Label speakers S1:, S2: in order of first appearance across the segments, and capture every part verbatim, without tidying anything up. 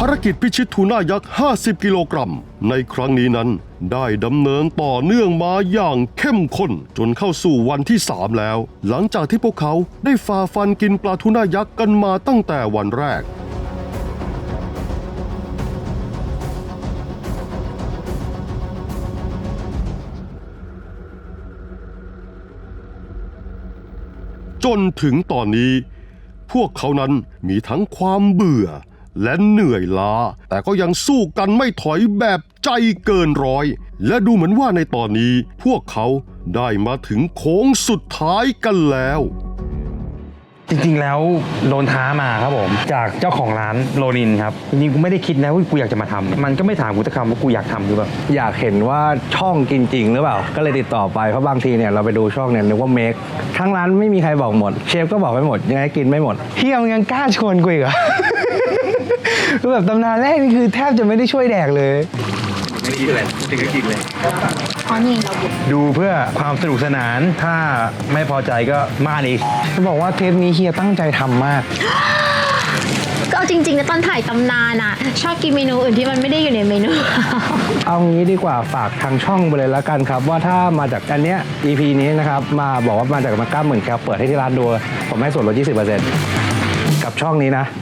S1: ารกิจพิชิตทูน่ายักษ์ห้าสิบกิโลกรัมในครั้งนี้นั้นได้ดำเนินต่อเนื่องมาอย่างเข้มข้นจนเข้าสู่วันที่สามแล้วหลังจากที่พวกเขาได้ฝ่าฟันกินปลาทูน่ายักษ์กันมาตั้งแต่วันแรกจนถึงตอนนี้พวกเขานั้นมีทั้งความเบื่อและเหนื่อยล้าแต่ก็ยังสู้กันไม่ถอยแบบใจเกินร้อยและดูเหมือนว่าในตอนนี้พวกเขาได้มาถึงโค้งสุดท้ายกันแล้ว
S2: จริงๆแล้วโดนท้ามาครับผมจากเจ้าของร้านโรนินครับจริงๆกูไม่ได้คิดนะว่ากูอยากจะมาทำมันก็ไม่ถามกูสักคำว่ากูอยากทำหรือเปล่า
S3: อยากเห็นว่าช่องกินจริงหรือเปล่าก็เลยติดต่อไปเพราะบางทีเนี่ยเราไปดูช่องเนี่ยนึกว่าเมคทั้งร้านไม่มีใครบอกหมดเชฟก็บอกไม่หมดยังไงกินไม่หมดเฮียมึงยังกล้าชวนกูอีกเหรอ คือแบบตำนานแรกนี่คือแทบจะไม่ได้ช่วยแดกเลย
S2: ไม่คิดอะไรถึงก็กินเลย
S4: อ๋อนี่เรา
S2: ดูเพื่อความสนุกสนานถ้าไม่พอใจก็มาดิ
S3: จะบอกว่าเทปนี้เฮียตั้งใจทำมาก
S4: ก็จริงๆนะตอนถ่ายตำนานอ่ะชอบกินเมนูอื่นที่มันไม่ได้อยู่ในเมนู
S3: เอางี้ดีกว่าฝากทางช่องไปเลยแล้วกันครับว่าถ้ามาจากอันเนี้ย อี พี นี้นะครับมาบอกว่ามาจากมาก้าหมื่นแคลเปิดให้ที่ร้านดูผมให้ส่วนลด ยี่สิบเปอร์เซ็นต์ กับช่องนี้นะ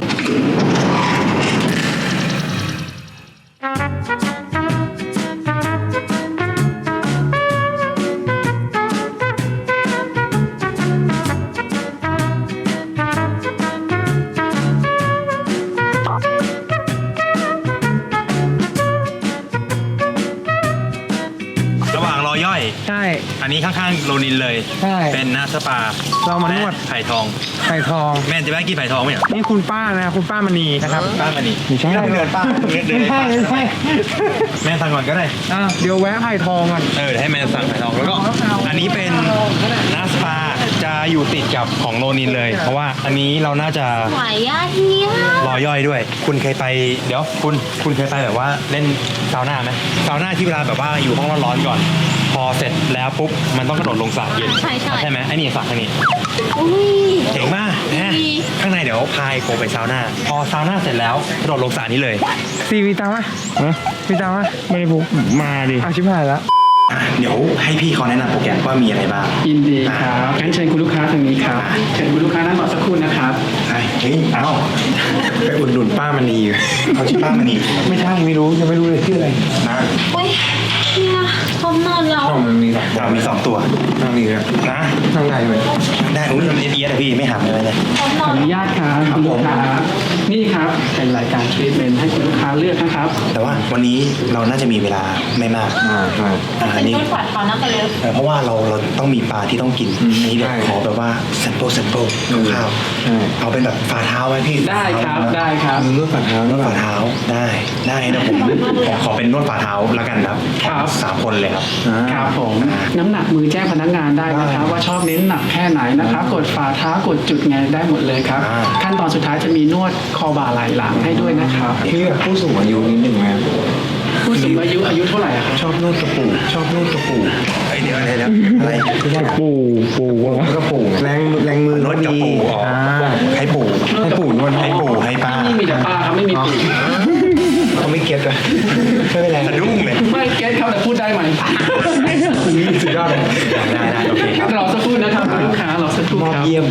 S2: ใช่อันนี้ข้างๆโรนินเลย
S3: ใช่
S2: เป็นนาสปา
S3: เรามานวด
S2: ไผ่ทอง
S3: ไผ่ทอง
S2: แม่จะแม่กินไผ่ทองไหมเหรอ
S3: นี่คุณป้านะคุณป้ามณีนะครับ
S2: ป้ามณี
S3: ไม่ใช่
S2: เดินป้า
S3: ไม่ใช่ไม่ใช่
S2: แม่สั่งก่อนก็ได้
S3: อ่าเดี๋ยวแวะไผ่ทองก่อน
S2: เออให้แม่สั่งไผ่ทองแล้วก็อันนี้เป็นนาสปาจะอยู่ติดกับของโรนินเลยเพราะว่าอันนี้เราน่าจะ
S4: ไหวอ่ะเฮีย
S2: รอย่อยด้วยคุณเคยไปเดี๋ยวคุณคุณเคยไปแบบว่าเล่นซาวน่าไหมซาวน่าที่เวลาแบบว่าอยู่ห้องร้อนๆก่อนพอเสร็จแล้วปุ๊บมันต้องกระโดดลงสระเย็น
S4: ใช่ใช่
S2: ใช่ไหมไอ้นี่สระข้างนี้เจ๋งมากนะข้างในเดี๋ยวพายโกไปซาวน่าพอซาวน่าเสร็จแล้วกระโดดลงสระนี้เลย
S3: ซีวีตามไหมมีตามไหม
S2: ไม่ได้ปุ๊บมาดิ
S3: อาชิบหายแล้ว
S2: เดี๋ยวให้พี่เขาแนะนำโปรแกรมว่ามีอะไรบ้าง
S5: ยินดีครับงั้นเชิญคุณลูกค้าทางนี้ครับเชิญคุณลูกค้านั่งรอสักครู่นะครับ
S2: เฮ้ยเอ้าไปอุดหนุนป้ามณีเขาชื่อป้ามณี
S3: ไม่ใช่ไม่รู้ยังไม่รู้เลยชื่ออะไร
S2: นะ
S4: เฮ้ยเฮียพร้อมนอนแล้ว
S2: มันมีเรามีสองตัว
S3: นั่งนี่ครับ
S2: นะ
S3: นั่งได้ไหม
S2: ได้อุ้ยมันเอียดๆพี่ไม่หักเลยนะ
S5: ขออนุญาตครับคุณลูกค้านี่ครับเป็นรายการทรีทเมนต์ให้คุณลูกค้าเลือกนะครับ
S2: แต่ว่าวันนี้เราน่าจะมีเวลาไม่มาก
S3: อ่าใช่
S4: อันนี้ฝาดเขานั่งไปเลย
S2: เพราะว่าเราเราต้องมีปลาที่ต้องกินนี่เดี๋ยวขอแบบว่าแซมเปิลแซมเปิลคร่าวๆเอาเป็นแบบฝ่าเท้าไหมพี่
S5: ได้ครับได้ครับ
S3: นวดฝ่าเท้าน
S2: วดฝ่าเท้าได้ได้นะผมผมขอเป็นนวดฝ่าเท้าแล้วกันครับ
S5: ครับ
S2: สามคนเลยครับ
S5: ครับผมน้ำหนักมือแจ้งพนักงานได้นะครับว่าชอบเน้นหนักแค่ไหนนะครับกดฝ่าเท้ากดจุดไงได้หมดเลยครับขั้นตอนสุดท้ายจะมีนวดคอบ่าไหล่หลังให้ด้วยนะครับ
S3: พี่แบบผู้สูงอายุนิดหนึ่งไหม
S5: ผู้สูงอายุอายุเท่าไหร่ครับ
S3: ชอบนวดกระปูชอบนวดกระปู
S2: ไอเดี๋ยวอะไรแล้วอะไร
S3: กระปูปูกระปูแรงแรงมือน
S2: วดกระปูอ๋อให้ปู
S3: ให้ปูนวด
S2: ให้ปูให้ป้า
S5: ไม่มีแต่ป้าครับไม่มีปู
S3: เขาไม่เก็ตเลย
S2: ไม่เป็นไรสะดุ้งเลย
S5: ไม่เก็ตเขาแต่พูดได้ไหม
S3: สุดยอดเลย
S2: ได้ได้โอเคครับ
S5: รอสักครู่นะครับลูกค้ารอสักครู่ครับ
S3: เยี่ยม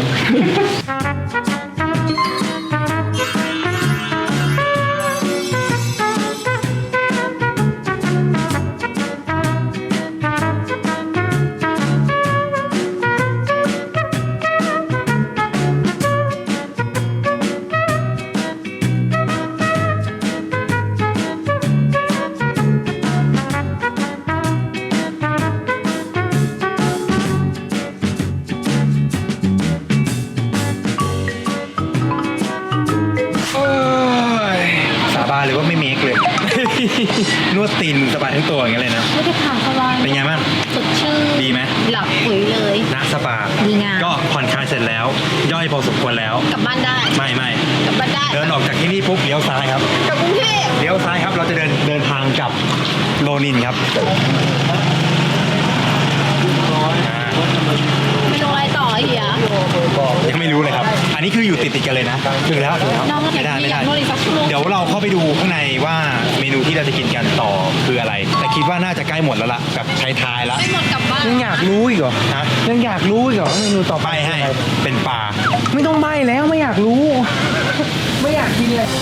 S2: หรือว่าไม่เมคเลยนวดตีนสบายทั้งตัวอย่างเงี้ยเลยนะ
S4: ไม่ได้ผ่านสบาย
S2: เป็นไงบ้าง
S4: สดชื่น
S2: ดีไหม
S4: หลับปุ๋ยเลย
S2: นะสปา
S4: ดีงาม
S2: ก็ผ่อนคลายเสร็จแล้วย่อยพอสมควรแล้ว
S4: กลับบ้านได้
S2: ไม่ไม่
S4: กลับบ้านได้
S2: เดินออกจากที่นี่ปุ๊บเลี้ยวซ้ายครับ
S4: กลับกรุงเทพ
S2: เลี้ยวซ้ายครับเราจะเดินเดินทางกลับโรนินครับ
S4: ไม่ลงอะไรต่อเฮีย
S2: ยังไม่รู้เลยครับอันนี้คืออยู่ติดติดๆกันเลยนะถึงแล้วถึงแล้ว
S4: น้องอยาก
S2: ไม่ได้ไม่ได้
S4: อยากนวดอีกสักชั่วโมง
S2: เดี๋ยวเราเข้าไปดูข้างในว่าเมนูที่เราจะกินกันต่อคืออะไร แต่คิดว่าน่าจะใกล้หมดแล้วล่ะกับท้ายๆแล้ว
S4: ไม่หมดกลับบ้าน
S3: ยังอยากรู้อีกเหรอ
S2: ฮะ
S3: ยังอยากรู้อีกเหรอว่าเมนูต่อไป
S2: ไปให้เป็นปลา
S3: ไม่ต้องใบแล้วไม่อยากรู้ ไม่อยากกินเลย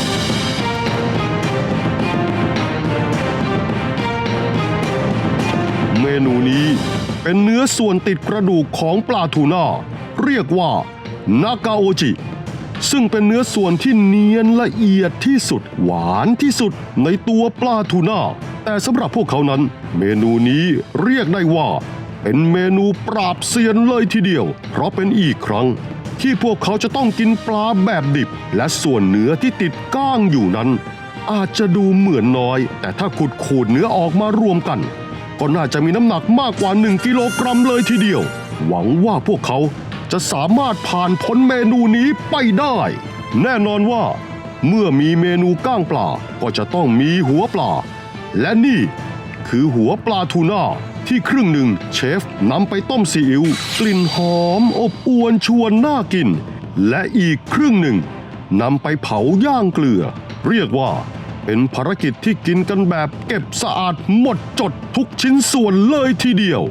S1: เมนูนี้เป็นเนื้อส่วนติดกระดูกของปลาทูน่าเรียกว่านากาโอจิซึ่งเป็นเนื้อส่วนที่เนียนละเอียดที่สุดหวานที่สุดในตัวปลาทูน่าแต่สำหรับพวกเขานั้นเมนูนี้เรียกได้ว่าเป็นเมนูปราบเซียนเลยทีเดียวเพราะเป็นอีกครั้งที่พวกเขาจะต้องกินปลาแบบดิบและส่วนเนื้อที่ติดก้างอยู่นั้นอาจจะดูเหมือนน้อยแต่ถ้าขุดขูดเนื้อออกมารวมกันก็น่าจะมีน้ำหนักมากกว่าหนึ่งกิโลกรัมเลยทีเดียวหวังว่าพวกเขาจะสามารถผ่านพ้นเมนูนี้ไปได้แน่นอนว่าเมื่อมีเมนูก้างปลาก็จะต้องมีหัวปลาและนี่คือหัวปลาทูน่าที่ครึ่งหนึ่งเชฟนำไปต้มซีอิ๊วกลิ่นหอมอบอวนชวนน่ากินและอีกครึ่งหนึ่งนำไปเผาย่างเกลือเรียกว่าเป็นภารกิจที่กินกันแบบเก็บสะอาดหมดจดทุกชิ้นส่วนเลยทีเดียว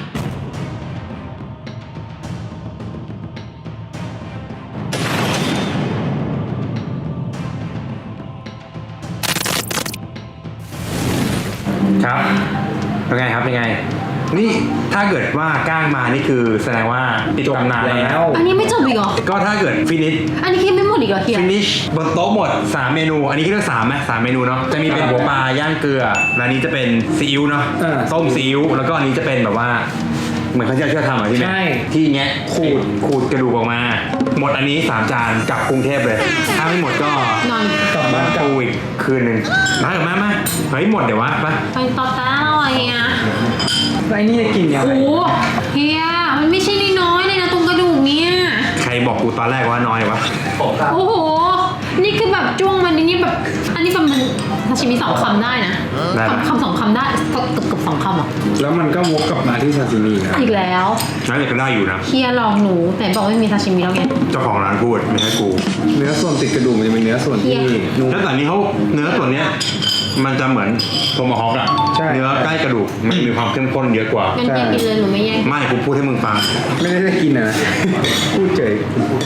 S2: ครับเป็นไงครับเป็นไง นี่ถ้าเกิดว่าก้างมานี่คือแสดงว่าติดตำนานแล้วนะ
S4: อันนี้ไม่จบอีกเหรอ
S2: ก็ถ้าเกิดฟินิช
S4: อันนี้คิดไม่หมดอีกเหรอเฮีย
S2: ฟินิชบนโต๊ะหมดสามเมนู อันนี้คิดว่าสามไหมสามเมนูเนาะจะมีเป็นหัวปลาย่างเกลือและอันนี้จะเป็นซีอิ๊วเนาะ
S3: เออ
S2: ต้มซีอิ๊วแล้วก็อันนี้จะเป็นแบบว่าเหมือนเขาจะเชื่อทำอ่ะที่
S3: ใช่
S2: ที่แงะขูดขูดกระดูกออกมา หมดอันนี้สามจานกลับกรุงเทพเลย ถ้าไม่หมดก็
S4: นอน
S3: กลับบ้านกลับ
S2: ปูอีกคืนหนึ่งมากับแม่มาเฮ้ยหมดเดี๋ยววะไป
S4: ไปต่อตาหน่อยเฮีย
S3: ไอ้นี่จะกินยังไง
S4: โอ้เฮียมันไม่ใช่น้อยๆเลยนะตรงกระดูกเนี่ย
S2: ใครบอกกูตอนแรกว่าน้อยวะ
S4: โอ้โห นี่คือแบบจ้วงมันนี่แบบ อันนี้แบบมันซาชิมิสองคำได้นะ
S2: ได้ปะ
S4: คำคำสองคำได้เกือบเกือบเกือบสองคำอ่ะ
S3: แล้วมันก็วกกลับมาที่ซาซิมินะ
S4: อีกแล้ว
S2: น่าจะก็ได้อยู่นะ
S4: เฮียลองหนูแต่บอกไม่มีซาชิมิแล้วไง
S2: เจ้าของร้านพูดไม่ใช่กู
S3: เนื้อส่วนติดกระดูกมันจะเป็นเนื้อส่วนที่
S4: เหี้ย
S3: นุ่ม
S2: แล้วแต่นี้เขาเนื้อส่วนเนี้ยมันจะเหมือนโทมาฮอกอะ
S3: ใช่
S2: เนื้อใกล้กระดูกมันมีความเข้มข้นเยอะกว่า
S4: งั้นเฮียกินเลยหนูไม่แย่ง
S2: ไม่กูพูดให้มึงฟัง
S3: ไม่ได้ได้กินนะ พูดเฉย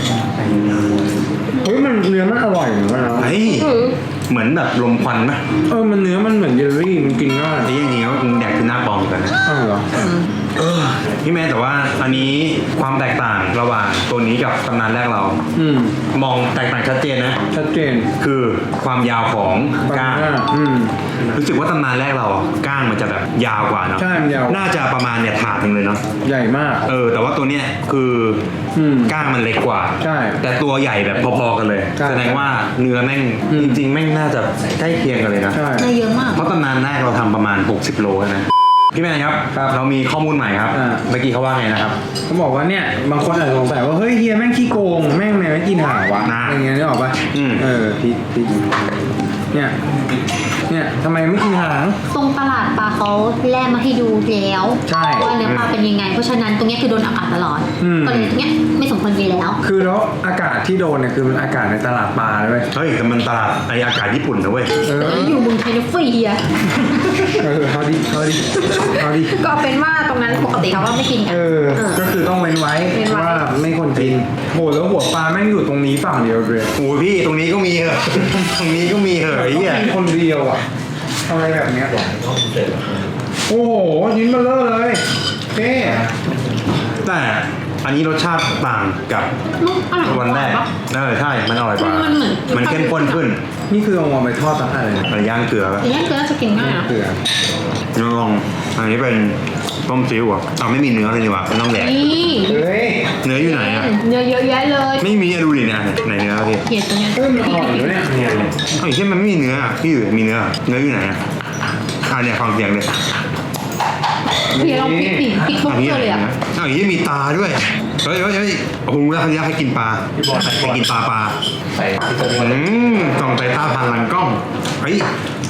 S3: เฮ้ยมันเนื้อมันอร่อยเหมือนกันนะ
S2: เฮ้ย เหมือนแบบลมควันไหม
S3: เออมันเนื้อมันเหมือนเยลลี่มันกินง่าย
S2: ไอ้อย่างนี้มึงแดกคือหน้าปลอมกันนะ
S3: อ้าวเหรอ
S2: พี่แม่แต่ว่าอันนี้ความแตกต่างระหว่างตัวนี้กับตำนานแรกเรา
S3: อืม
S2: มองแตกต่างชัดเจนนะ
S3: ชัดเจน
S2: คือความยาวของก้าง
S3: อืม
S2: รู้สึกว่าตำนานแรกเราอะก้างมันจะแบบยาวกว่าเนาะ
S3: ใช่มันยาว
S2: น่าจะประมาณเนี่ยถาดหนึ่งเลยเนาะ
S3: ใหญ่มาก
S2: เออ แต่ว่าตัวเนี้ยคืออ
S3: ม
S2: ก้างมันเล็กกว่า
S3: ใช่
S2: แต่ตัวใหญ่แบบพอๆกันเลย
S3: ใช่
S2: แสดงว่าเนื้อแม่ง
S3: อืม
S2: จริงๆแม่งน่าจะใกล้เคียงกันเลยนะ
S3: ใช่
S4: ได้เยอะมาก
S2: เพราะตำนานแรกเราทำประมาณหกสิบโลนะพี่แม่ครับ
S3: ครับ
S2: เรามีข้อมูลใหม่ครับ
S3: อ่า
S2: เมื่อกี้เขาว่าไงนะครับ
S3: เขาบอกว่าเนี่ยบางคนอาจจะสงสัยว่าเฮ้ยเฮียแม่งขี้โกงแม่งเนี่ยไม่กินหางวะ
S2: น่า
S3: อย่างเงี้ยนึกออกปะ
S2: อืม
S3: เออพี่พี่เนี่ยเนี่ยทำไมไม่กินหาง
S4: ตรงตลาดปลาเขาแลกมาให้ดูแล้ว
S3: ใช่
S4: ว่าเนื้อปลาเป็นยังไง เพราะฉะนั้นตรงเนี้ยคือโดนอากาศตลอด
S3: อืม
S4: ก็เลยตรงเนี้ยไม่สมควรกินแล้ว
S3: คือแล้วอากาศที่โดนเนี่ยคือมันอากาศในตลาดปลาเลยเว้ย
S2: เฮ้ยแต่มันตลาดไออากาศญี่ปุ่นนะเว้ย
S3: เออ
S4: อยู่เมืองไทยเนี่ยฟรีอะ
S3: เออเอาดิเอาดิเอาดิ
S4: ก็เป็นว่าตรงนั้นปกติเขาก็ไม่กินกัน
S3: เออ ก็คือต้องเว้นไว้
S4: เว้นไว้
S3: ว่าไม่ควรกินโหแล้วหัวปลาแม่งอยู่ตรงนี้ฝั่งเดียวเลย
S2: โอ้ยพี่ตรงนี้ก็มีเหอะ ตรงนี้ก็มีเหอะไอ้เหี้ย
S3: มีคนเดียวอ่ะทำไมแบบเนี้ยโอ้โหยิ้มมาเลอะเลยเท่
S2: แต่อันนี้รสชาติต่างกับ
S4: ลูกอร่อย
S2: วันแรก
S4: ปะ
S2: เออใช่ มันอร่อยกว่า
S4: มันเหมือน
S2: มันเข้มข้นขึ้น
S3: นี่คือเอามาไปทอดตั้งอะไรเนี่ย
S2: มันย่างเกลือปะ
S4: แต่ย่างเกลือจะกินง่ายนะ
S3: เกลือ
S2: ลองอันนี้เป็นต้มซีอิ๊วอ่ะอ้าวไม่มีเนื้อเลยดีกว่ามันต้องแดก
S4: นี่
S3: เฮ้ย
S2: เนื้ออยู่ไหนอ่ะ
S4: เนื้อเยอะแยะเลย
S2: ไม่มีอะดูดิเนี่ยไหนเนื้อพี่
S4: เขียนตรงเนี้ย
S3: เฮ้ยมันอร่อยอยู่เนี่ยเนี่ย
S2: ไอ้เช่นมันไม่มีเนื้ออะพี่อยู่มีเนื้อเนื้ออยู่ไหนอ่ะอ่าเนี่ยฟังเสียงเลย
S4: เขียนลองพริกดิพริกทุก
S2: อันนี้
S4: ตัว
S2: อะไร
S4: เลยอะ
S2: นะอ้าวอย่างนี้มีตาด้วย เฮ้ยเฮ้ยเฮ้ยโอ้โหแล้วเขาอยากให้กินปลาให้กินปลาปลา
S3: ใส่
S2: อืมส่องสายตาผ่านหลังกล้อง เฮ้ย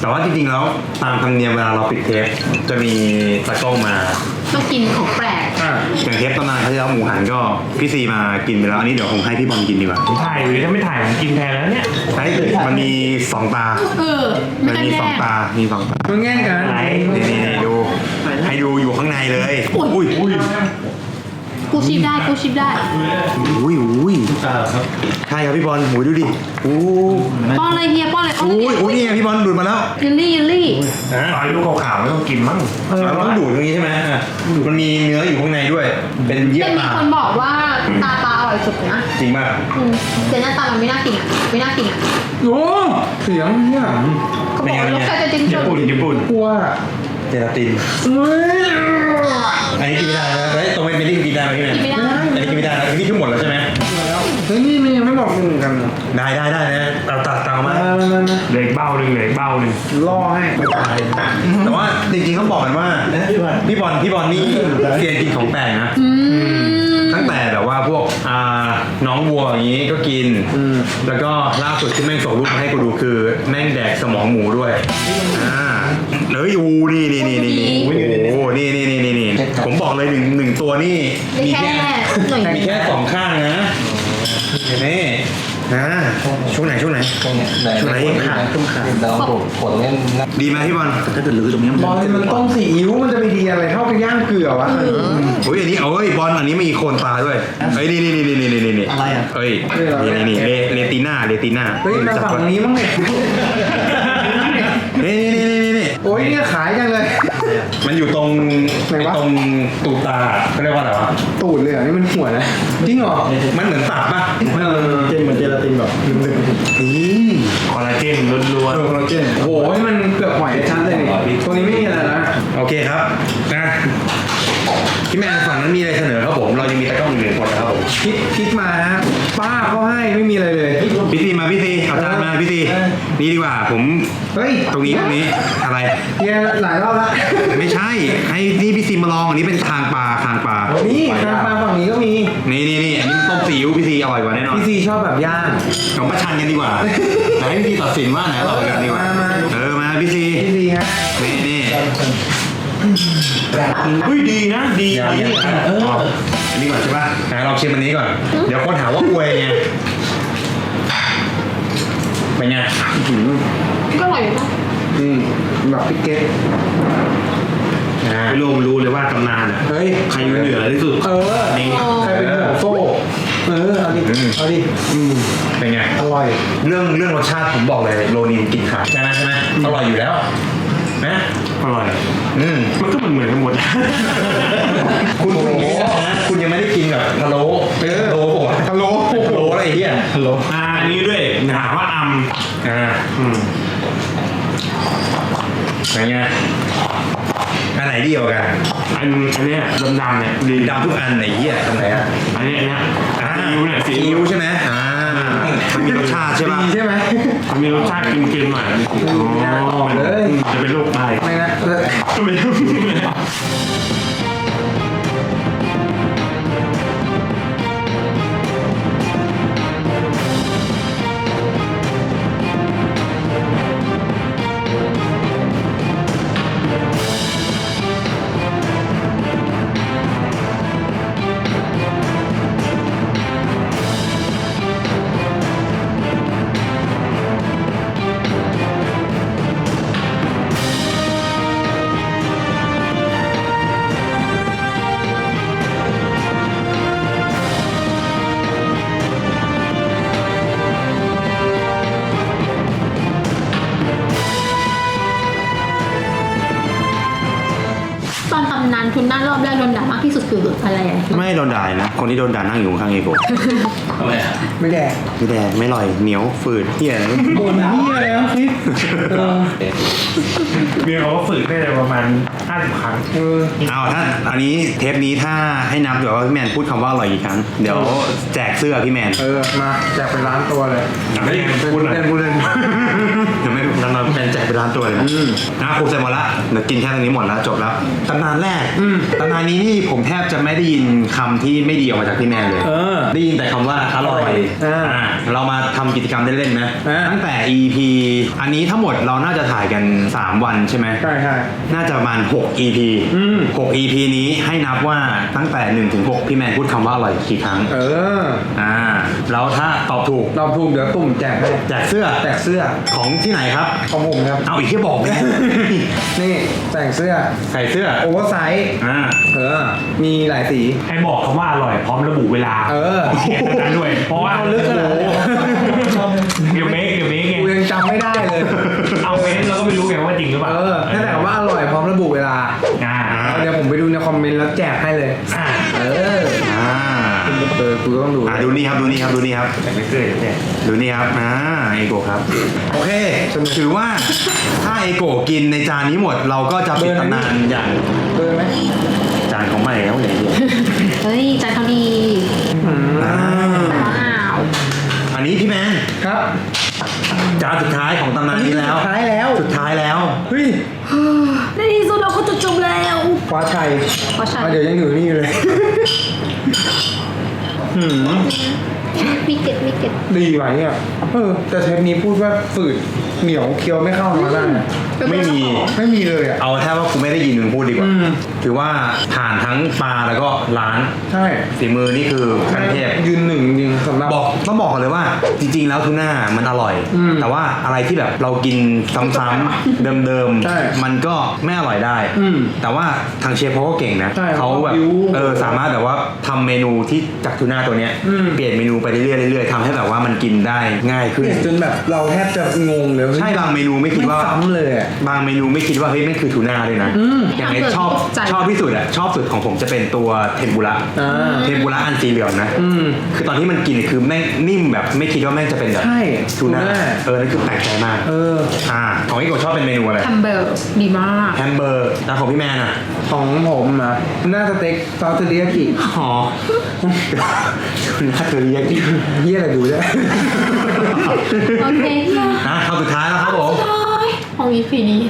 S2: แต่ว่าจริงๆแล้วตามธรรมเนียมเวลาเราปิดเทปจะมีตากล้องมา
S4: ต้องกินของแปลก
S2: อย่างเทปตำนานเขาจะเอาหมูหันก็พี่ซีมากินไปแล้วอันนี้เดี๋ยวผมให้พี่บอลกินดีกว่า
S6: ถ่ายหรือถ้าไม่ถ่ายผมกินแทนแล้วเนี่ย
S2: ใช่มันมีสองตา
S4: เออ ไม่
S2: มัน
S4: ต้อง
S2: มี
S4: แย่
S2: สองตา มีสองตา
S3: มันแง่งกัน
S6: ไหน
S2: นี่นี่นี่ดู ให้ดูอยู่ข้างในเลยอุ้ยอุ้ย
S4: กูชิปได้กูชิปได้
S2: อุ้ยอุ้ยใช่ครับพี่บอลหูยดูดิอู้
S4: ป้อนเลยเฮียป้อนเลยป้อน
S2: อุ้ย
S4: เลย
S2: อุ้ยนี่ไงพี่บอลดูดมาแล้ว
S4: ยิลลี่ยิลลี่
S2: นะ
S6: ตอนลูกขาวๆไม่ต้องกินมั้ง
S2: เราต้องดูดตรงนี้ใช่ไหมอ่ะมันมีเนื้ออยู่ข้างในด้วย เป็นเยื่อ
S4: แต่มี
S2: ตา
S4: คนบอกว่าตาปลาอร่อยสุดนะ
S2: จริงป่ะ
S4: อืมแต่หน้าตามันไม่น่ากินอ่ะ ไม่น่ากินอ่ะ
S3: โอ้เสียงเนี่ย
S4: เขาบอกว่ารสชาติจะจิ้ม
S6: ญี่ปุ่นญี่ปุ่น
S3: กลัว
S2: เจลาติน
S3: เฮ้ย
S2: อันนี้กินไม่ได้นะเฮ้ยตรงเป็นนี่กินได้ไหมพี่แมน
S4: กินไม่ได้
S2: อันนี้กินไม่ได้นะอันนี้คือหมดแล้วใช่ไหม
S3: เฮ้ยนี่มันยังไม่บอกมึงเหมือนกันเหรอ
S2: ได้ได้ได้นะตัดตัดตัดออกมา
S3: มามามา
S6: เหล็กเบ้าหนึ่งเหล็กเบ้าหนึ่ง
S3: ล่อให้
S2: แต่ว่าจริงๆเขาบอกกันว่าพี่บอลพี่บอลนี่เซียนกินของแปลกนะ
S4: อืม
S2: ตั้งแต่แบบว่าพวกอ่าน้องวัวอย่างนี้ก็กิน แล้วก็ล่าสุดที่แม่งส่งรูปมาให้กูดูคือแม่งแดกสมองหมูด้วยอ่าเฮ้ยอูนี่นี่นี่นี่นี่โอ้โหนี่นี่นี่นี่นี่ผมบอกเลยหนึ่งหนึ่งตัวนี่
S4: มีแค่หน่อย
S2: มีแค่สองข้างนะนี่นะช่วงไหนช่วงไหนช่วงไหนขาด
S3: เราปวดปวดเนี่ย
S2: ดีไหมพี่บอลถ้าเกิดลือตรงนี้
S3: บอลมันต้มซีอิ๊วมันจะไปดีอะไรเท่ากับย่างเกลือวะ
S2: โอ้ยอันนี้เอ้ยบอลอันนี้มีโคนตาด้วยเฮ้ยนี่นี่นี่นี่นี่นี่อะไรอ่ะเฮ้ยนี่นี่นี่เลเลติน่าเลติน่า
S3: เฮ้ยมาฝั่งนี้มั้งเนี่ย
S2: นี่นี่นี่นี่นี่
S3: โอ้ยเนี่ยขายจังเลย
S2: มันอยู่ตรง
S3: ไหนวะ
S2: ตรงตูดตาเขาเรียกว่าอะไรวะ
S3: ตูดเลยเหรอนี่มันหัวนะจริงเหรอ
S2: มันเหมือนตับป่ะ
S3: เออ
S2: นี่
S6: คอลลาเจนล้วน
S3: โคลลาเจนโอ้ยมันเปลือกหอยชัดเลยนี่ตัวนี้ไม่มีอะไรนะ
S2: โอเคครับนะพี่แมนฝั่งนั้นมีอะไรเสนอครับผมเรายังมีตะกร้ออีกหนึ่งคนนะครับผม
S3: คิดคิดมาฮะป้าเขาให้ไม่มีอะไรเลย
S2: พี่ซีมาพี่ซีเอาจานมาพี่ซีนี่ดีกว่าผม
S3: เฮ้ย
S2: ตรงนี้ตรงนี้อะไร
S3: เฮียหลายรอบละ
S2: ไม่ใช่ให้นี่พี่ซีมาลองอันนี้เป็นคางปลาคางปลา
S3: นี่ทางปลาฝั่งนี้ก็มี
S2: นี่นี่นี่อันนี้มันต้มซีอิ๊วพี่ซีอร่อยกว่าแน่นอน
S3: พี่ซีชอบแบบย่าง
S2: ของประชันกันดีกว่าไหนพี่ซีตัดสินว่าไหนอร่อยกันดีกว่า
S3: มามา
S2: เออมาพี่ซี
S3: พี่ซีฮะ
S2: นี่นี่
S6: ๆเฮ้ยดีนะดี
S2: อย่า
S6: ดี
S2: อย่า
S6: เออ
S2: อันนี้ก่อนใช่ป่ะไหนลองชิมอันนี้ก่อน เดี๋ยวคนหาว่าอวยไงเป็นไง
S4: ก็อร่อยอยู่นะ
S3: อืมแบบพี่เก็ต
S2: อ่า
S6: ไม่รู้รู้เลยว่าตำนานอ่ะ
S3: เฮ้ย
S6: ใครอยู่เหนือที่สุด
S3: เออ
S6: นี่
S3: ใครเป็นหัวโซ่เออเอาดิเอาดิอืม
S2: เป็นไง
S3: อร่อย
S2: เรื่องเรื่องรสชาติผมบอกเลยโรนินกินขาดใช่ไหมใช่ไหมอร่อยอยู่แล้วนะ
S6: อร่อย
S2: อืม
S6: มันก็เหมือนเหมือนกันหมด
S2: คุณคุณอย่างนี้นะคุณยังไม่ได้กินแบบพะโล้เออพะโล้ผมพะโล้พะโล้อะไรเหี้ยพะโล้
S6: อ่าอันนี้ด้วยถามว่าอัม
S2: อ่า
S6: อืม
S2: เป็นไงอันไหนดีกว่ากัน
S6: อันอันเนี้ยดำๆเนี่ยดี
S2: ดำทุกอันไหนเหี้ยตรงไหนอ่ะ
S6: อันเนี้ยอันเนี้ย
S2: อ่า
S6: ซีอิ๊วเนี่ยซี
S2: ซี
S6: อิ๊
S2: อิ๊
S6: ว
S2: วใช่ไหมอ่ามันมีรสชาติใช่ป่ะ
S3: ดีใช่ไหม
S6: มันมีรสชาติเค็มๆหน่อย
S3: ไม่น่าออกเลย
S6: จะเป็นโรคไต
S3: ไม่นะเออ
S6: ก็ไม่รู้
S4: ตอนตำนานคุณหน้ารอบแรกโดนด่ามากที่สุดคืออะไรอ่ะ
S2: ไม่โดนด่านะ คนที่โดนด่านั่งอยู่ข้างเอโก
S3: ไม่แดก
S2: ไม่แดงไม่อร่อยเหนียวฝืดเหี้ย
S3: บ่นเฮียแล้วคิดเออ
S6: เมียเขาก็ฝึกได้ประมาณห้าสิบครั้ง
S3: เออ
S2: เอาถ้าอันนี้เทปนี้ถ้าให้นับเดี๋ยวว่าพี่แมนพูดคำว่าอร่อยกี่ครั้ง เดี๋ยวแจกเสื้อพี่แมน
S3: เออมาแจกเป็นล้านตัวเลย
S6: เฮ้ยพูดหน่อย
S3: เล่นกูเล่น
S2: เดี๋ยวไม่นานๆแมนแจกไปร้านตัวเลยนะนะครบเสร็จหมดละเดี๋ยวกินแค่ตรงนี้หมดแล้วจบแล้วตำนานานแรกตำนานนี้นี่ผมแทบจะไม่ได้ยินคำที่ไม่ดีออกมาจากพี่แมนเลย
S3: เออ
S2: ได้ยินแต่คำว่าอร่อย
S3: อ่า
S2: อ่าเรามาทำกิจกรรมเล่นๆไหม
S3: อ่า
S2: ตั้งแต่ อี พี อันนี้ทั้งหมดเราน่าจะถ่ายกันสามวันใช่ไหม
S3: ใช่ใช่
S2: น่าจะประมาณหก อี พี
S3: อืม
S2: หก อี พี นี้ให้นับว่าตั้งแต่หนึ่งถึงหกพี่แมนพูดคำว่าอร่อยกี่ครั้ง
S3: เออ
S2: อ่าแล้วถ้าตอบถูก
S3: เราภูมิเดี๋ยวตุ่มแจกให้
S2: แจกเสื้อ
S3: แจกเสื้อ
S2: ของที่ไหนครับ
S3: ของผมครับ
S2: เอาอีกที่บอกเลย
S3: นี่แจกเสื้อ
S2: ใส่เสื้อ
S3: โอเวอร์ไซส์
S2: อ่า
S3: เออ มีหลายสี
S6: ให้บอกคำว่าอร่อยพร้อมระบุเวลา
S3: เออ
S6: เขียนตรงนั้นด้วย เพราะว่า
S3: เอาลึกขนาดนั้น
S6: เดี๋ยวเมคเดี๋ยวเมคไง
S3: กูยังจำไม่ได้เลย
S6: เอาเมคเราก็ไม่รู้ไงว่าจริงหรือเปล่า
S3: เออนั่นแหละว่าอร่อยพร้อมระบุเวลา
S6: อ่า
S3: เดี๋ยวผมไปดูในคอมเมนต์แล้วแจกให้เลย
S6: อ่า
S3: เออ
S2: อ่า
S3: เออกูต้องดู
S2: อ่าดูนี่ครับดูนี่ครับดูนี่ครับ
S6: แต่ไม่เคยเนี่ย
S2: ดูนี่ครับอ่าเอโกะครับโอเคถือว่าถ้าเอโกะกินในจานนี้หมด เราก็จะปิดตำนานอย่าง
S3: เบอร์ไหม
S2: จานของใหม่แล้วเนี่ย
S4: เฮ้ยใจเขาดี
S2: อ่า
S4: ว้าว
S2: อันนี้พี่แมน
S3: ครับ
S2: จานสุดท้ายของตำนานนี้แล้ว
S3: สุดท้ายแล้ว
S2: สุดท้ายแล้ว
S3: เฮ้ย
S4: ในที่สุดเราก็จะจบแล้ว
S3: คว้าชัย
S4: คว้าชัย
S3: อ่ะเดี๋ยวยังอยู่นี่อยู่เลย หืม
S4: มีเก็ตมีเก็ต
S3: ดีไหมเนี่ยเออ แต่เทปนี้พูดว่าฝืดเหนียวเคี้ยวไม่เข้าเนื้อได้
S2: ไม่มี
S3: ไม่มีเลยอ่ะ
S2: เอาแค่ว่ากูไม่ได้ยินมึงพูดดีกว่า
S3: อืม
S2: ถือว่าผ่านทั้งปลาแล้วก็ร้าน
S3: ใช่
S2: ฝีมือนี่คือขั้นเทพ
S3: ยืนหนึ่งจริงสำหรับ
S2: บอกต้องบอกก่อนเลยว่าจริงๆแล้วทูน่ามันอร่อย
S3: อืม
S2: แต่ว่าอะไรที่แบบเรากินซ้ำๆเดิม
S3: ใช่
S2: ๆมันก็ไม่อร่อยได้
S3: อืม
S2: แต่ว่าทางเชฟเขาก็เก่งนะ
S3: ใช่
S2: เขาแบบ
S3: เขาบิ้ว
S2: เออสามารถแบบว่าทำเมนูที่จากทูน่าตัวเนี้ย
S3: อืม
S2: เปลี่ยนเมนูไปเรื่อยๆเรื่อยๆทำให้แบบว่ามันกินได้ง่ายขึ้น
S3: เนี่ยจนแบบเราแทบจะงงเลย
S2: ใช่บางเมนูไม่คิดว่า
S3: ซ้ำเลยอ่ะ
S2: บางเมนูไม่คิดว่าเฮ้ยแม่งคือทูน่าเลยนะ
S3: อืม
S2: อย่างไอชอบ
S4: ใจ
S2: ชอบที่สุดอะชอบสุดของผมจะเป็นตัวเทมปุระ
S3: อ่า
S2: เทมปุระอันสีเหลืองนะ
S3: อืม
S2: คือตอนที่มันกินคือแม่งนิ่มแบบไม่คิดว่าแม่งจะเป็นแบบ
S3: ใช่
S2: ทูน่า
S3: ทูน่า
S2: เออนั่นคือแปลกใจมาก
S3: เออ
S2: อ่าของพี่โกชอบเป็นเมนูอะไร
S4: แฮมเบอร์ดีมาก
S2: แฮมเบอร์แล้วของพี่แมนอ่ะ
S3: ของผมนะหน้าสเต็กซอสเทอริยากิ
S2: อ๋อคุณน่าเธอเรียกที่
S3: เฮียอะไรดูได้
S4: โอเค
S2: นะคำสุดท้ายแล้วครับผม
S4: ของอีพีนี้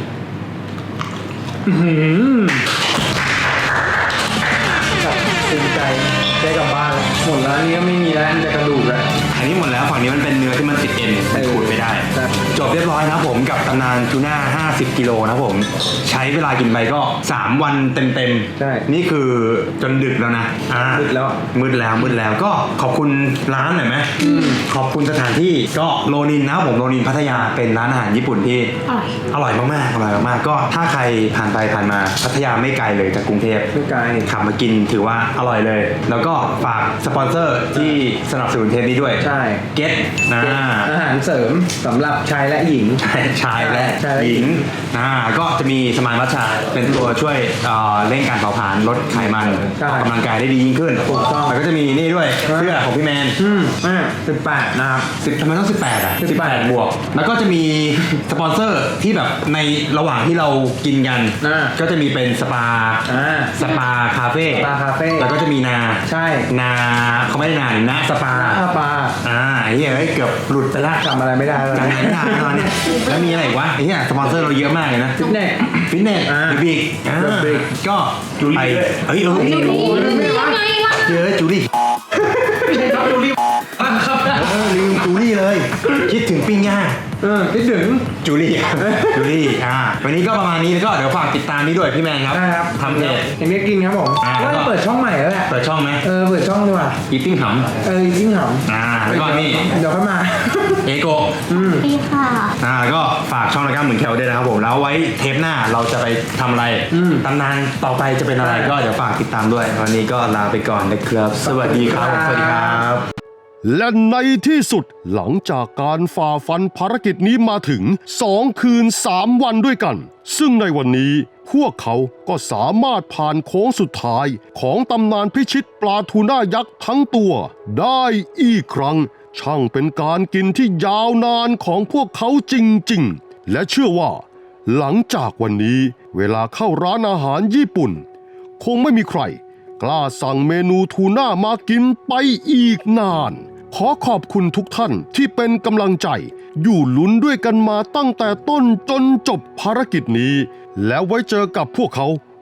S3: ภูมิใจได้กลับบ้านแล้วหมดแล้วอันนี้ก็ไม่มีแล้วมีแต่กระดูกแล้ว
S2: อันนี้หมดแล้วฝั่งนี้มันเป็นเนื้อที่มันติดเอ็นมันขูดไม่ได้
S3: ใช่
S2: จบเรียบร้อยนะครับผมกับตำนานทูน่าห้าสิบกิโลนะครับผมใช้เวลากินไปก็สามวันเต็มๆ
S3: ใช่
S2: นี่คือจนดึกแล้วนะอ่า
S3: มืดแล้ว
S2: มืดแล้วมืดแล้วก็ขอบคุณร้านหน่อยไหมขอบคุณสถานที่ก็โรนินนะครับผมโรนินพัทยาเป็นร้านอาหารญี่ปุ่นที่
S4: อร่อย
S2: อร่อยมากๆอร่อยมากๆก็ถ้าใครผ่านไปผ่านมาพัทยาไม่ไกลเลยจากกรุงเทพ
S3: ไม่ไกล
S2: ขับมากินถือว่าอร่อยเลย แล้วก็ฝากสปอนเซอร์ที่สนับสนุนเทปนี้ด้วย
S3: ใช่
S2: เก็ตนะ
S3: อาหารเสริมสำหรับชายและหญิง
S2: ชายและ
S3: ชายและ
S2: ห
S3: หญิ
S2: ญิง
S3: ง
S2: นะก็จะมีสมานวัชชาเป็นตัวช่วยเอ่อเร่งการเผาผลาญลดไขมัน
S3: ใช่
S2: ออกกำลังกายได้ดียิ่งขึ้น
S3: ถูกต้อง
S2: แล้วก็จะมีนี่ด้วยเสื้อของพี่แมน
S3: อืมอ่าสิบแปดนะครับ
S2: สิบทำไมต้องสิบแปดอ่ะ
S3: สิ
S2: สิบบ แป
S3: แป
S2: ด
S3: ด
S2: บวก แล้วก็จะมีสปอนเซอร์ที่แบบในระหว่างที่เรากินกัน
S3: อ่า
S2: ก็จะมีเป็นสปา
S3: อ่า
S2: สปาคาเฟ่
S3: สปาคาเฟ่
S2: แล้วก็จะมีนา
S3: ใช่
S2: นาเขาไม่ได้นานะสปา
S3: ข้าปลา
S2: อ่าไอ้เหี้ยเฮ้ยเกือบหลุดไปละ
S3: จำอะไรไม่ได้แล้ว
S2: จำอะไรไม่ได้แล้วเนี่ยแล้วมีอะไรอีกวะไอ้เหี้ยสปอนเซอร์เราเยอะมากเลยนะ
S3: ฟิตเนส
S2: ฟิตเนส
S3: อ่า
S2: บิ๊กอ่า
S3: บิ๊ก
S2: ก็
S6: จูลี่
S2: ไป
S6: ด้วย
S2: เฮ้ยเออ
S4: นี่ยังไงล่ะ
S2: เจอจูลี่
S6: ไม่ใช่ครับจูลี่ครับ
S2: เออลืมจูลี่เลย คิดถึงปิ้งย่าง
S3: เออคิดถึง
S2: จูลี่ จูลี่อ่าวันนี้ก็ประมาณนี้แล้วก็เดี๋ยวฝากติดตามนี้ด้วยพี่แมนครับ
S3: ได้ครับ
S2: ทำเพจ
S3: เห็นเนี้ยกินครับผม
S2: อ่า
S3: ว่าจะเปิดช่องใหม่แล้วแหละ
S2: เปิดช่องไหม
S3: เออเปิดช่องดีกว่า
S2: อีติ้งห
S3: เออจริงเหรอ
S2: ำอ่าแล้วก็นี่
S3: เดี๋ยวค่อยมา
S2: เอโกะ
S4: ดีค่ะ
S2: อ่าก็ฝากช่องรายการเหมือนแคลด้วยนะครับผมแล้วไว้เทปหน้าเราจะไปทำอะไร
S3: อืม
S2: ตำนานต่อไปจะเป็นอะไรก็เดี๋ยวฝากติดตามด้วยวันนี้ก็ลาไปก่อนนะครับ สวัสดีครับสวัสดีครับ
S1: และในที่สุดหลังจากการฝ่าฟันภารกิจนี้มาถึงสองคืนสามวันด้วยกัน ซึ่งในวันนี้พวกเขาก็สามารถผ่านโค้งสุดท้ายของตำนานพิชิตปลาทูน่ายักษ์ทั้งตัวได้อีกครั้ง ช่างเป็นการกินที่ยาวนานของพวกเขาจริงๆ และเชื่อว่า หลังจากวันนี้เวลาเข้าร้านอาหารญี่ปุ่น คงไม่มีใครกล้าสั่งเมนูทูน่ามากินไปอีกนาน ขอขอบคุณทุกท่านที่เป็นกำลังใจ อยู่ลุ้นด้วยกันมาตั้งแต่ต้นจนจบภารกิจนี้ แล้วไว้เจอกับพวกเขา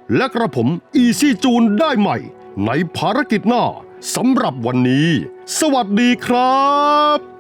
S1: และกระผมอีซี่จูนได้ใหม่ในภารกิจหน้าสำหรับวันนี้ สวัสดีครับ